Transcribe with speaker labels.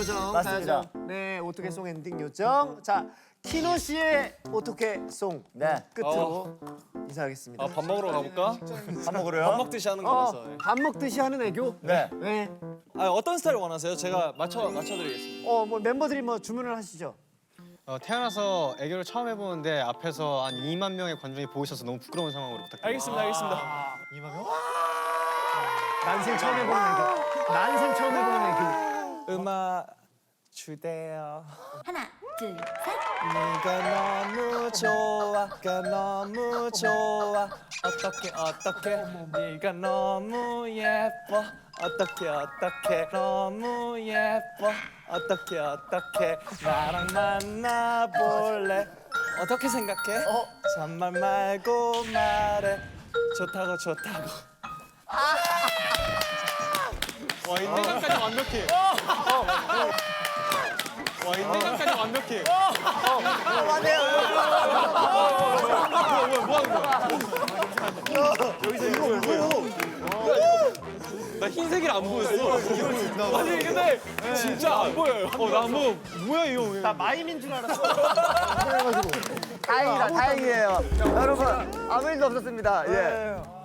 Speaker 1: 요정.
Speaker 2: 맞습니다.
Speaker 1: 가야죠. 네, 어떻게 송 엔딩 요정. 자, 키노 씨의 어떻게 송
Speaker 2: 네.
Speaker 1: 끝으로 인사하겠습니다.
Speaker 3: 밥 먹으러 가볼까?
Speaker 2: 밥 먹으러요?
Speaker 3: 밥 먹듯이 하는 거라서.
Speaker 1: 밥 먹듯이 하는 애교?
Speaker 2: 네.
Speaker 1: 네.
Speaker 3: 어떤 스타일 원하세요? 제가 맞춰드리겠습니다.
Speaker 1: 뭐 멤버들이 뭐 주문을 하시죠.
Speaker 4: 태어나서 애교를 처음 해보는데 앞에서 한 2만 명의 관중이 보고 있어서 너무 부끄러운 상황으로 부탁드립니다.
Speaker 3: 알겠습니다.
Speaker 1: 난생 처음 해보는 애교. 난생 처음 해보는 애교.
Speaker 3: 음악 주대요.
Speaker 5: 하나, 둘, 셋.
Speaker 3: 네가 너무 좋아, 네가 너무 좋아. 어떻게 네가 너무 예뻐. 어떻게 너무 예뻐. 어떻게 나랑 만나볼래? 어떻게 생각해? 잔말 말고 말해. 좋다고. 와, 인내감까지 완벽해. 와, 인내감까지 완벽해. 나 흰색이 안 보였어. 아니 근데 진짜 안 보여요. 나 뭐야 이거?
Speaker 1: 나 마임인 줄 알았어.
Speaker 2: 다행이에요. 여러분 아무 일도 없었습니다. 예.